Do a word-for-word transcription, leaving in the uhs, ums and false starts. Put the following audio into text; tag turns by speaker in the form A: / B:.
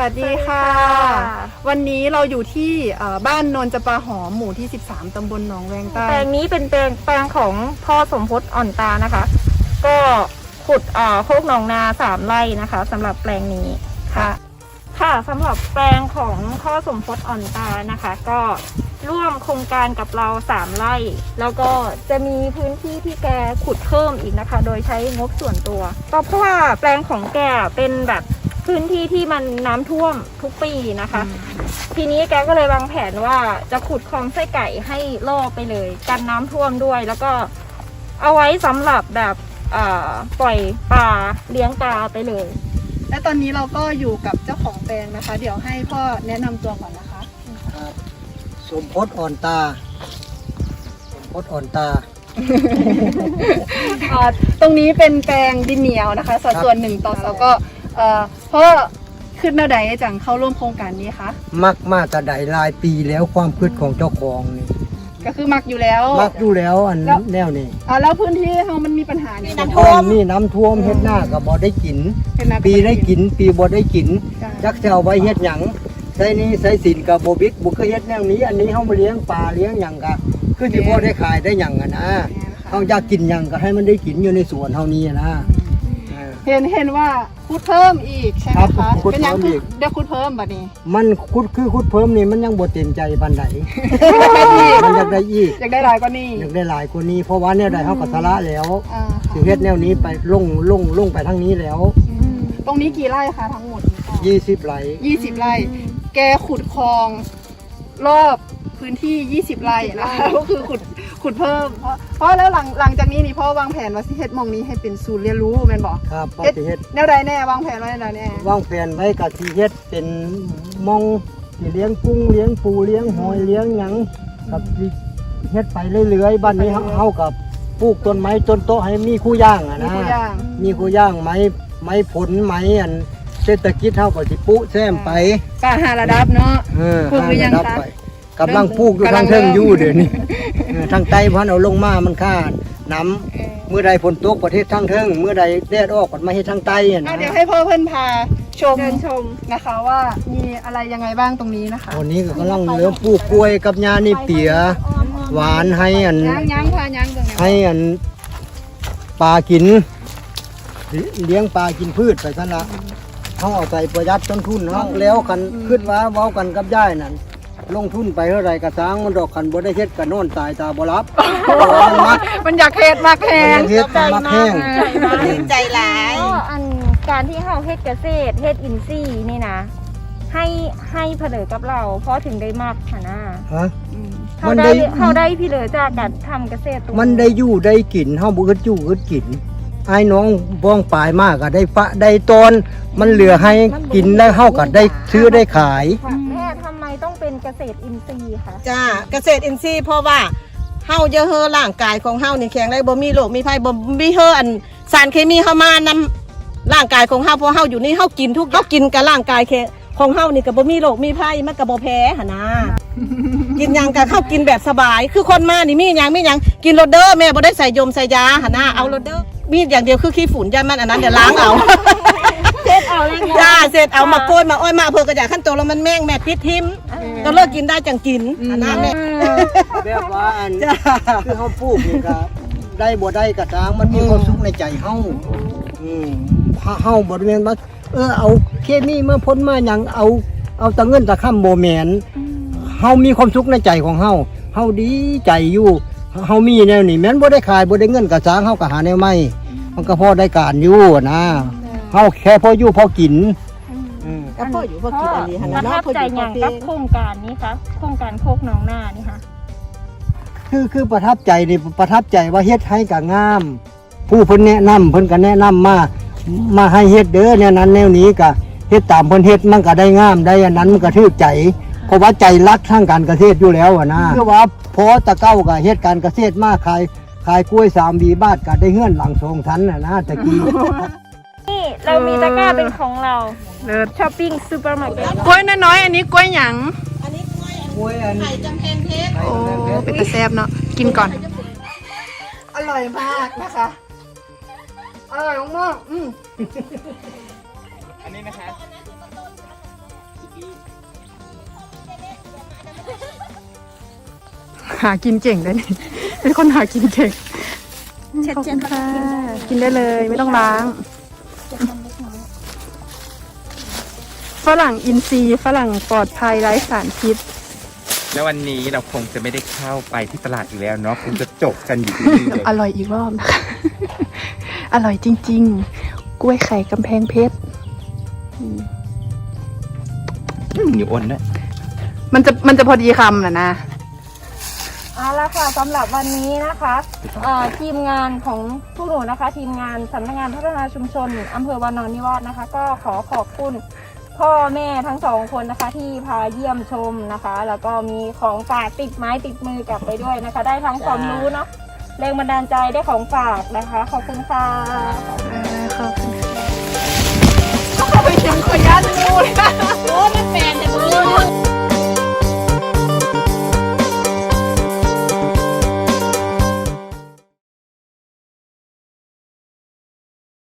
A: วัสดีค่ะวันนี้เราอยู่ที่บ้านนนจำปาหอมหมู่ที่สิบสามตำบลหนองแวงใต้
B: แปลงนี้เป็นแปลงแปลงของพ่อสมพศอ่อนตานะคะก็ขุดอ่าโคกหนองนาสามไร่นะคะสำหรับแปลงนี้ค่ะค่ะสำหรับแปลงของพ่อสมพศอ่อนตานะคะก็ร่วมโครงการกับเราสามไร่แล้วก็จะมีพื้นที่ที่แกขุดเพิ่มอีกนะคะโดยใช้งบส่วนตัวก็เพราะว่าแปลงของแกเป็นแบบพื้นที่ที่มันน้ำท่วมทุกปีนะคะทีนี้แกก็เลยวางแผนว่าจะขุดคลองไส้ไก่ให้รอบไปเลยกันน้ำท่วมด้วยแล้วก็เอาไว้สำหรับแบบปล่อยปลาเลี้ยงปลาไปเลย
A: และตอนนี้เราก็อยู่กับเจ้าของแปลงนะคะเดี๋ยวให้พ่อแนะนำตัวก่อนนะคะ
C: ครับสมพศอ่อนตาสมพศอ่อนตา
A: ตรงนี้เป็นแปลงดินเหนียวนะคะสัดส่วนหนึ่งต่อสองก็เพราะขึ้นแนวใดจังเข้าร่วมโครงการนี้คะ
C: มักมาแต่ใดหลายปีแล้วความคิดของเจ้าของนี่
A: ก็คือมักอยู่แล้ว
C: มักอยู่แล้วอันแนวนี้
A: อ่าแล้วพื้นที่เรามันมีปัญหา
C: นี่น้ำท่วมนี่น้ำท่วมเฮ็ดหน้าก็บ่ได้กินปีได้กินปีบ่ได้กินจักจะเอาไว้เฮ็ดหยังใส่นี้ใส่สินกับบ่บิดบ่เคยเฮ็ดแนวนี้อันนี้เฮามาเลี้ยงปลาเลี้ยงหยังก็คือสิพอได้ขายได้หยังอ่ะนะเฮาอยากกินหยังก็ให้มันได้กินอยู่ในสวนเฮานี้นะ
A: เห็นเห็นว่าคุดเพิ่มอีกใช่ไหมคะเป็นยังคือเดี๋ยวคุดเพิ่มแบบนี้
C: มันคุดคือคุดเพิ่มนี่มันยังบ่เต็มใจปานใดมันอยากได้อีก
A: อยากได้หลายกว่านี้
C: อยากได้หลายกว่านี้เพราะว่าแนวใดเฮาก็สละแล้วสิเฮ็ดแนวนี้ไปลงลงลงไปทางนี้แล้ว
A: ตรงนี้กี่ไร่คะทั้งหมด
C: ยี่สิบไร่
A: ยี่สิบไร่แกขุดคลองรอบพื้นที่ยี่สิบไร่นะคะก็คือขุดขุดเพิ่มเพราะเพราะแล้วหลังหลังจากนี้นี่พ่อวางแผนว่าสิเฮ็ดมองนี้ให้เป็นศูนย์เรียนรู้แม่นบ่
C: ครับ
A: เฮ็ดแนวใดแน่วางแผนไว้แนวแน่
C: วางแผนไว้ก็สิเฮ็ดเป็นมองสิเลี้ยงกุ้งเลี้ยงปูเลี้ยงหอยเลี้ยงหยังกับสิเฮ็ดไปเรื่อยๆบ้านนี้เฮากับปลูกต้นไม้ต้นโตให้มีคู่ย่างอ่ะนะมีคู่ย่างไม้ไม้ผลไม้อันเศรษฐกิจเฮาก็สิปุแซมไป
A: ป่าหาระดับเนาะ
C: เออปลูกหรือยังคะกำลังปลูกอยู่ทางเทิงอยู่เดี๋ยวนี้ทางใต้พันเอาลงมามันค่าน้ำเมื่อใดฝนตกประเทศทางเทิงเมื่อใดแดดออกก็มาเฮ็ดทางใต้
A: นะเดี๋ยวให้พ่อเพิ่นพาชมชมนะคะว่ามีอะไรยังไงบ้างตรงนี้นะคะ
C: วันนี้ก็กำลังเลี้ยงปลูกกล้วยกับยานี่เปียหวานให้อันให้อันปลากินเลี้ยงปลากินพืชไปซะละเขาเอาใจประหยัดต้นทุนเนาะแล้วกันคิดว่าเว้ากันกับย่ายนั่นลงทุนไปเท่าไรกระซังมันดอกขันบ่ได้เฮ็ดกันนอนตายตาบ่รับ
A: มันมักมันอยากเฮ็ดมักแห้ง
C: เฮ็ดมักแห้ง
B: ใจหลายอันการที่เฮาเฮ็ดเกษตรเฮ็ดอินทรีย์นี่นะให้ให้เผลอกับเราเพราะถึงได้มากค่ะนะ
C: ฮะ
B: เขาได้เขาได้พี่เหลือจากการทำเกษตร
C: มันได้อยู่ได้กินเฮาบ่คิดอยู่คิดกินไอ้น้องบ้องปลายมากก็ได้ฟะได้ตอนมันเหลือให้กินแล้วเฮาก็ได้ซื้อได้ขาย
B: แม่ทำไมต้องเป็นเกษตรอินทรีย์คะ
D: จ้าเกษตรอินทรีย์เพราะว่าเฮาจะเฮอร่างกายของเฮานี่แข็งแรงบ่มีโรคมีภัยบ่มีเฮออันสารเคมีเข้ามานำร่างกายของเฮาเพราะเฮาอยู่นี่เฮากินทุกเฮากินกับร่างกายของเฮานี่ก็บ่มีโรคมีภัยมันก็บ่แพ้หั่นนะกินหยังก็เข้ากินแบบสบายคือคนมานี่มีหยังมีหยังกินโรเดอร์แม่บ่ได้ใส่ยมใส่ยาหั่นนะเอาโรเดอร์มีอย่างเดียวคือขี้ฝุ่นยามันอันนั้นเดี๋ยวล้างเอา
B: เสร็จเอาเลย
D: จ้าเสร็จเอามาโกยมาอ้อยมาเพื่อกระจายขั้นโตแล้วมันแม่งแม่พิษทิมก็เลิกกินได้จังกินอันนั้นแม่
C: แบบว่าอันคือเฮาปลูกนี่ก็ได้บ่ได้กระทางมันมีความสุขในใจเฮาอืมเฮาบ่แม่นว่าเออเอาเคมีมาพ่นมาหยังเอาเอาตะเงินตะค่ำบ่แม่นเฮามีความสุขในใจของเฮาเฮาดีใจอยู่เฮามีแนวนี้แม้นบ่ได้ขายบ่ได้เงินกระทางเฮาก็หาแนวใหม่มันก็พอได้การอยู่นะเฮาแค่พออยู่พอกิน
D: ก็พออยู่พอกินอันนี้
B: ประทับใจอย่างกับโครงการนี้คะโครงการโคกหนองนานี่ค่ะ
C: คือคือประทับใจนี่ประทับใจว่าเฮ็ดให้กับงามผู้เพิ่นแนะนำเพิ่นก็แนะนำมามาให้เฮ็ดเด้อแนวนั้นแนวนี้ก็เฮ็ดตามเพิ่นเฮ็ดมันก็ได้งามได้อันนั้นมันก็ถูกใจเพราะว่าใจรักทางการเกษตรอยู่แล้วอ่ะนะคือว่าพอตะเก้าก็เฮ็ดการเกษตรมาขายขายกล้วยสามวีบาทก็ได้เฮือนหลังสองชั้นน่ะนะตะกี้
B: นี่เรามีตะกร้าเป็นของเราเลิศช้อปปิ้งซูเปอร์มาร์เก็ต
A: กล้วยน้อยๆอันนี้กล้วยหยัง
D: อันนี้กล้วยอันไข่จำแพงเพชร
A: โอ้เป็นตะแซ่บเนาะกินก่อนอร่อยมากนะคะอร่อยมากอืมอันนี้นะคะหากินเก่งได้นี่เป็นคนหากินเก่งขอบคุณค่ะกินได้เลยไม่ต้องล้างฝรั่งอินทรีย์ฝรั่งปลอดภัยไร้สารพิษ
E: แล้ววันนี้เราคงจะไม่ได้เข้าไปที่ตลาดอีกแล้วเนาะคงจะจบกันอยู่ที่นี่เลย
A: อร่อยอีกรอบนะคะ อร่อยจริงๆ กล้วยไข่กำแพงเพชร
E: เหนียวอ้นนะ
A: มันจะมันจะพอดีคำนะนะ
B: เอาละค่ะสำหรับวันนี้นะคะเอ่อทีมงานของพวกหนูนะคะ ทีมงานสำนักงานพัฒนาชุมชนอำเภอวานอนนิวาสนะคะ ก็ขอขอบคุณพ่อแม่ทั้งสองคนนะคะ ที่พาเยี่ยมชมนะคะ แล้วก็มีของฝากติดไม้ติดมือกลับไปด้วยนะคะ ได้ทั้งความรู้เนาะแรงบันดาลใจได้ของฝากนะคะ ขอบคุณค่ะ
A: ขอบคุณค่ะไปเชียงขอยันงูเลย